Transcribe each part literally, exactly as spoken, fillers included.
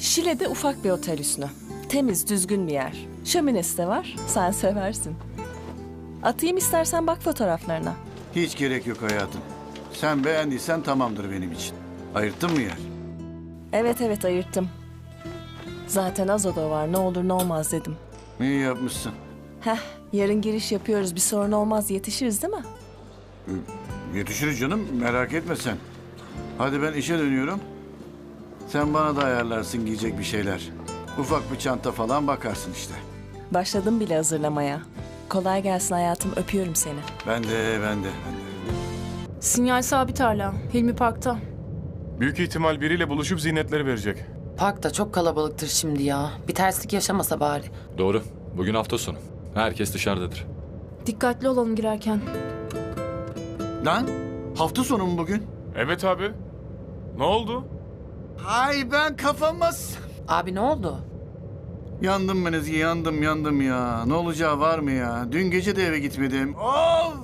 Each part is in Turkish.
Şile'de ufak bir otel Hüsnü. Temiz, düzgün bir yer. Şöminesi de var, sen seversin. Atayım istersen bak fotoğraflarına. Hiç gerek yok hayatım. Sen beğendiysen tamamdır benim için. Ayırttın mı yer? Evet evet ayırttım. Zaten az oda var, ne olur ne olmaz dedim. İyi yapmışsın. Heh, yarın giriş yapıyoruz, bir sorun olmaz, yetişiriz değil mi? Yetişiriz canım, merak etme sen. Hadi ben işe dönüyorum. Sen bana da ayarlarsın giyecek bir şeyler. Ufak bir çanta falan bakarsın işte. Başladım bile hazırlamaya. Kolay gelsin hayatım, öpüyorum seni. Ben de, ben de, ben de. Sinyal sabit hala. Hilmi Park'ta. Büyük ihtimal biriyle buluşup ziynetleri verecek. Park da çok kalabalıktır şimdi ya. Bir terslik yaşamasa bari. Doğru. Bugün hafta sonu. Herkes dışarıdadır. Dikkatli olalım girerken. Lan, hafta sonu mu bugün? Evet abi. Ne oldu? Ay ben kafamaz. Abi ne oldu? Yandım ben Ezgi, yandım, yandım ya. Ne olacağı var mı ya? Dün gece de eve gitmedim. Of!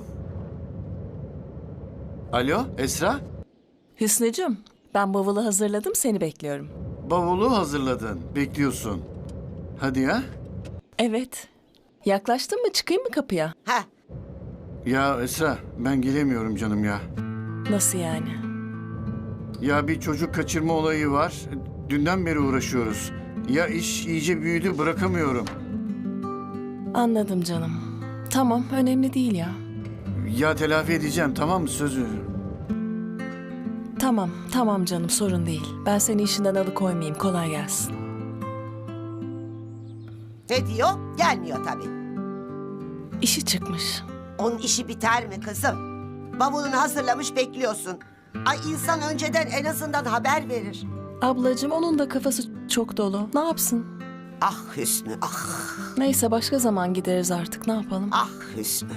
Alo, Esra? Hüsnücüm, ben bavulu hazırladım, seni bekliyorum. Bavulu hazırladın, bekliyorsun. Hadi ya. Evet. Yaklaştın mı, çıkayım mı kapıya? Ha, Ya Esra, ben gelemiyorum canım ya. Nasıl yani? Ya bir çocuk kaçırma olayı var. Dünden beri uğraşıyoruz. Ya iş iyice büyüdü, bırakamıyorum. Anladım canım. Tamam, önemli değil ya. Ya telafi edeceğim, tamam mı? Söz veriyorum. Tamam, tamam canım, sorun değil. Ben seni işinden alıkoymayayım, kolay gelsin. ne diyor? Gelmiyor tabii. İşi çıkmış. Onun işi biter mi kızım? Bavulunu hazırlamış bekliyorsun. Ay insan önceden en azından haber verir. Ablacığım, onun da kafası çok dolu. Ne yapsın? Ah Hüsnü, ah, Neyse, başka zaman gideriz artık, ne yapalım? ah Hüsnü.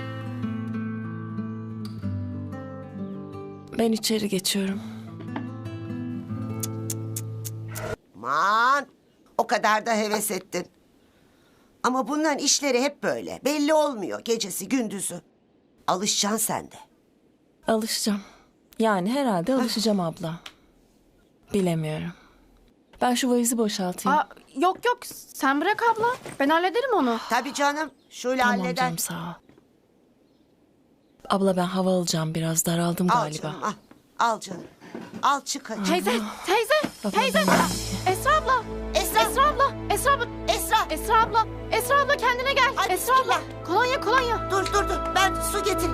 Ben içeri geçiyorum. Aman, o kadar da heves ettin. Ama bunların işleri hep böyle. Belli olmuyor gecesi gündüzü. Alışacaksın sen de. Alışacağım. Yani herhalde alışacağım abla. Bilemiyorum. Ben şu valizi boşaltayım. Aa, yok yok sen bırak abla. Ben hallederim onu. Tabii canım, şöyle Tamam halleder. canım, sağ ol. Abla, ben hava alacağım biraz, daraldım Al galiba. canım, al. Al canım. Al çık hadi. Teyze, teyze, Baba, teyze. ben- Esra abla, Esra, Esra abla, Esra abla, Esra. Esra abla, Esra abla kendine gel. Ay, Esra abla, bismillah. kolonya, kolonya. Dur dur dur, ben su getir.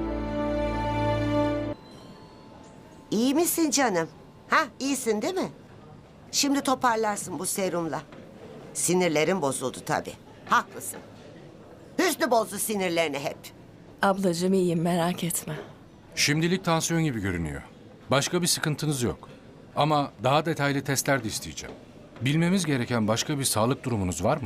İyi misin canım? Ha, iyisin değil mi? Şimdi toparlarsın bu serumla. Sinirlerin bozuldu tabii. Haklısın. Hüsnü bozdu sinirlerini hep. Ablacığım iyiyim, merak etme. Şimdilik tansiyon gibi görünüyor. Başka bir sıkıntınız yok. Ama daha detaylı testler de isteyeceğim. Bilmemiz gereken başka bir sağlık durumunuz var mı?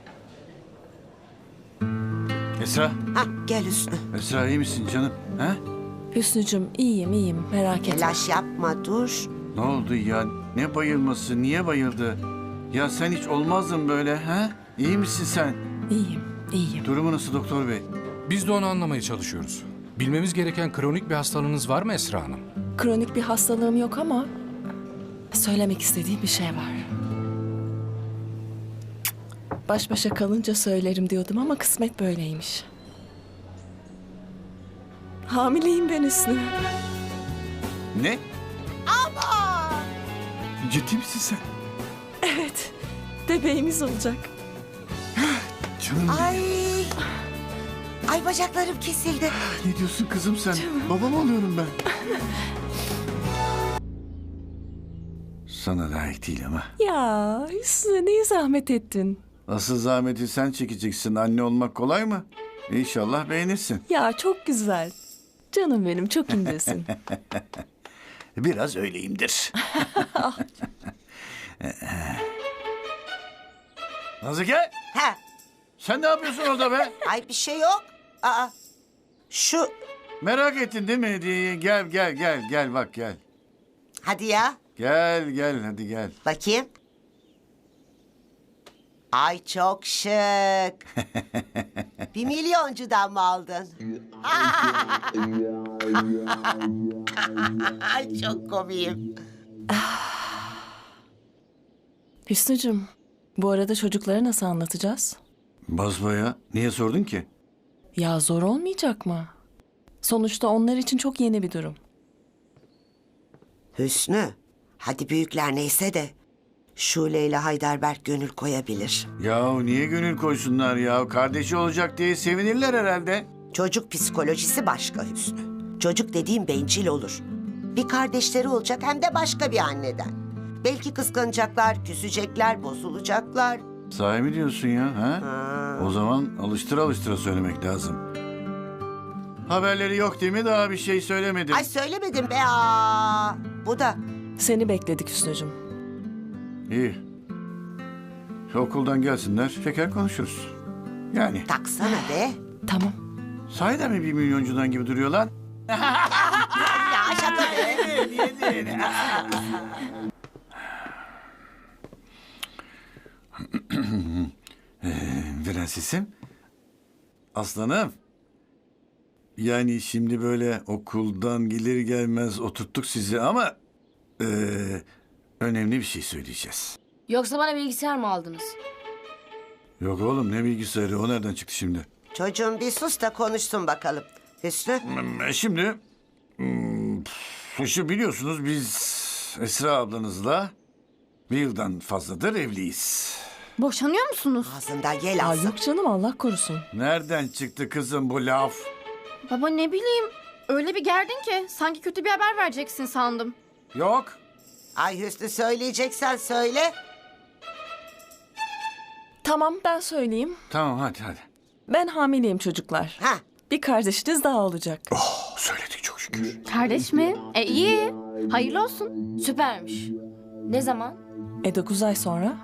Esra, Ha, gel Hüsnü. Esra iyi misin canım? Ha? Hüsnücüm, iyiyim iyiyim, merak etme. Telaş yapma, dur. Ne oldu ya? Ne bayılması? Niye bayıldı? Ya sen hiç olmazdın böyle, ha? İyi misin sen? İyiyim, iyiyim. Durumu nasıl doktor bey? Biz de onu anlamaya çalışıyoruz. Bilmemiz gereken kronik bir hastalığınız var mı Esra Hanım? Kronik bir hastalığım yok ama söylemek istediğim bir şey var. Baş başa kalınca söylerim diyordum ama kısmet böyleymiş. Hamileyim ben Hüsnü. Ne? Ciddi misin sen? Evet, bebeğimiz olacak. Canım Ay. Ay bacaklarım kesildi. ne diyorsun kızım sen? Baba mı oluyorum ben? Sana layık değil ama. Ya Hüsnü, niye zahmet ettin? Asıl zahmeti sen çekeceksin. Anne olmak kolay mı? İnşallah beğenirsin. Ya çok güzel. Canım benim, çok incesin. Biraz öyleyimdir. Nazike, Ha, sen ne yapıyorsun orada be? ay bir şey yok. Aa, şu, Merak ettin değil mi hediyeyi? Gel gel gel gel bak gel. hadi ya. Gel gel hadi gel. Bakayım. Ay çok şık. Bir milyoncudan mı aldın? Ay çok komiyim. Hüsnü'cüm, bu arada çocuklara nasıl anlatacağız? Basbaya niye sordun ki? Ya zor olmayacak mı? Sonuçta onlar için çok yeni bir durum. Hüsnü, hadi büyükler neyse de Şule ile Heidelberg gönül koyabilir. Ya niye gönül koysunlar ya? Kardeşi olacak diye sevinirler herhalde. Çocuk psikolojisi başka Hüsnü. Çocuk dediğim bencil olur. Bir kardeşleri olacak hem de başka bir anneden. Belki kıskanacaklar, küsecekler, bozulacaklar. Sahi mi diyorsun ya? Ha? Ha. O zaman alıştıra alıştıra söylemek lazım. Haberleri yok değil mi? Daha bir şey söylemedim. Ay söylemedim be aa. Bu da Seni bekledik Hüsnü'cüm. İyi. Okuldan gelsinler, şeker konuşuruz. Yani. taksana be. Tamam. Sahiden mi bir milyoncudan gibi duruyor lan? Ya şaka be. Prensesim. Aslanım. Yani şimdi böyle okuldan gelir gelmez oturttuk sizi ama... eee, önemli bir şey söyleyeceğiz. Yoksa bana bilgisayar mı aldınız? Yok oğlum ne bilgisayarı o nereden çıktı şimdi? Çocuğum bir sus da konuşsun bakalım. Hüsnü. Hmm, Şimdi... hmm, Şu biliyorsunuz biz Esra ablanızla bir yıldan fazladır evliyiz. Boşanıyor musunuz? Ağzından yel Aa, alsın. yok canım Allah korusun. Nereden çıktı kızım bu laf? Baba ne bileyim. Öyle bir gerdin ki sanki kötü bir haber vereceksin sandım. Yok. Ay Hüsnü söyleyeceksen söyle. Tamam ben söyleyeyim. Tamam hadi hadi. Ben hamileyim çocuklar. Ha. Bir kardeşiniz daha olacak. Söyledik çok şükür. Kardeş mi? E iyi. Hayırlı olsun. Süpermiş. Ne zaman? E dokuz ay sonra?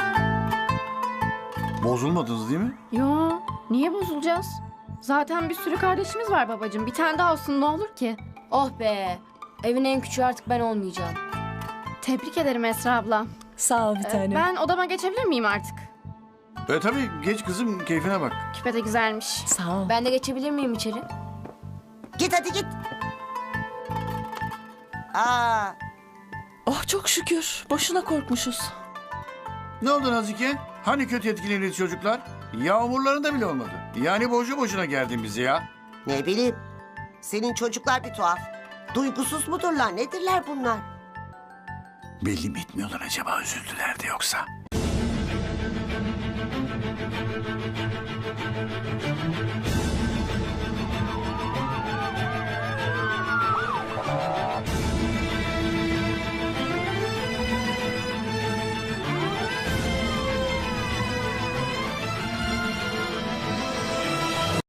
Bozulmadınız değil mi? Yo, niye bozulacağız? Zaten bir sürü kardeşimiz var babacığım. Bir tane daha olsun ne olur ki? Oh be. Evin en küçüğü artık ben olmayacağım. Tebrik ederim Esra abla. Sağ ol bir Ee, tanem. ben odama geçebilir miyim artık? E tabii geç kızım keyfine bak. Küpe de güzelmiş. Sağ ol. Ben de geçebilir miyim içeri? Git hadi git. Aa, Oh çok şükür. Boşuna korkmuşuz. Ne oldu Nazike? Hani kötü etkileniriz çocuklar? Yağmurlarında bile olmadı. Yani boşu boşuna geldin bize ya. ne bileyim. Senin çocuklar bir tuhaf. Duygusuz mudurlar? Nedirler bunlar? Belli mi etmiyorlar acaba üzüldüler de yoksa?